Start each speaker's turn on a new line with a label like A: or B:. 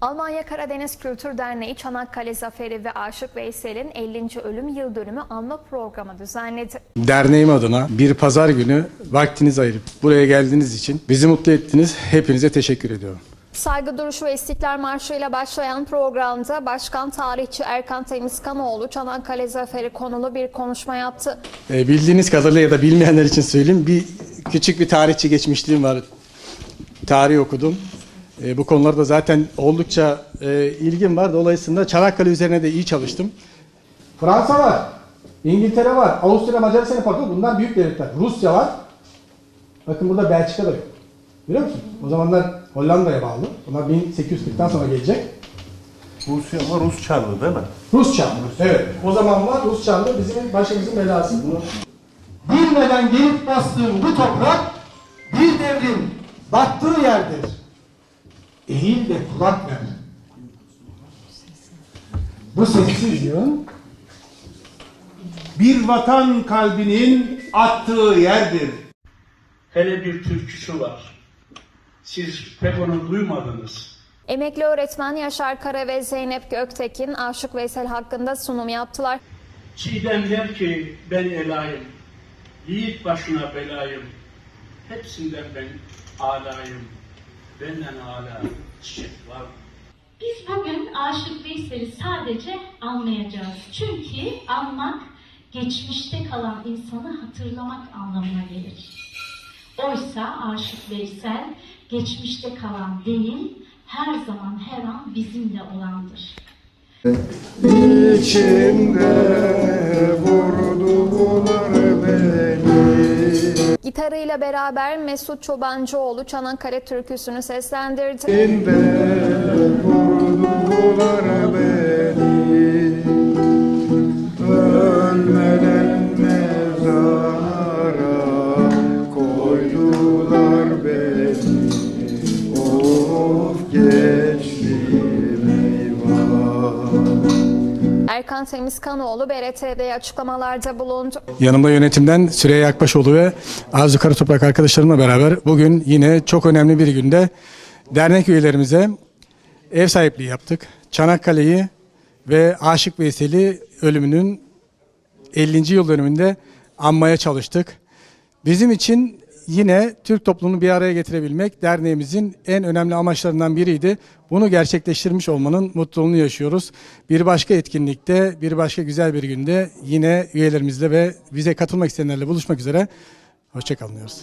A: Almanya Karadeniz Kültür Derneği Çanakkale Zaferi ve Aşık Veysel'in 50. ölüm yıl dönümü anma programı düzenledi.
B: Derneğim adına bir pazar günü vaktinizi ayırıp buraya geldiğiniz için bizi mutlu ettiniz. Hepinize teşekkür ediyorum.
A: Saygı duruşu ve İstiklal Marşı ile başlayan programda Başkan Tarihçi Erkan Temizkanoğlu Çanakkale Zaferi konulu bir konuşma yaptı.
B: Bildiğiniz kadarıyla ya da bilmeyenler için söyleyeyim. Küçük bir tarihçi geçmişliğim var. Tarih okudum. Bu konularda zaten oldukça ilgim var. Dolayısıyla Çanakkale üzerine de iyi çalıştım. Fransa var, İngiltere var, Avusturya, Macaristan, Portekiz, bunlar büyük devletler. Rusya var. Bakın burada Belçika da yok. Biliyor musun? O zamanlar Hollanda'ya bağlı. Bunlar 1840'tan sonra gelecek.
C: Rusya ama Rus Çarlı değil mi?
B: Rus Çarlı. Evet. O zamanlar Rus Çarlı bizim başımızın belası.
D: Bilmeden gelip bastığım bu toprak bir devrin battığı yerdir. Eğil de kulak ver. Bu sessiz yığın
C: Bir vatan kalbinin attığı yerdir.
E: Hele bir türküsü var. Siz pek onu duymadınız.
A: Emekli öğretmen Yaşar Kara ve Zeynep Göktekin Aşık Veysel hakkında sunum yaptılar.
E: Çiğdem der ki ben elayım, yiğit başına belayım, hepsinden ben alayım, benden âlâ çiçek var.
F: Biz bugün Aşık Veysel'i sadece anmayacağız. Çünkü anmak, geçmişte kalan insanı hatırlamak anlamına gelir. Oysa Aşık Veysel, geçmişte kalan değil, her zaman her an bizimle olandır.
G: İçimde vurdular beni.
A: Gitarıyla beraber Mesut Çobancıoğlu Çanakkale türküsünü seslendirdi.
G: İçimde vurdular beni. Ölmeden mezara koydular beni. Of geçtim eyvah.
A: Erkan Temizkanoğlu BRTV'ye açıklamalarda bulundu.
B: Yanımda yönetimden Süreyya Akbaşoğlu ve Arzu Karatoprak arkadaşlarımla beraber bugün yine çok önemli bir günde dernek üyelerimize ev sahipliği yaptık. Çanakkale'yi ve Aşık Veysel'i ölümünün 50. yıl dönümünde anmaya çalıştık. Bizim için yine Türk toplumunu bir araya getirebilmek derneğimizin en önemli amaçlarından biriydi. Bunu gerçekleştirmiş olmanın mutluluğunu yaşıyoruz. Bir başka etkinlikte, bir başka güzel bir günde yine üyelerimizle ve bize katılmak isteyenlerle buluşmak üzere. Hoşça kalın diyoruz.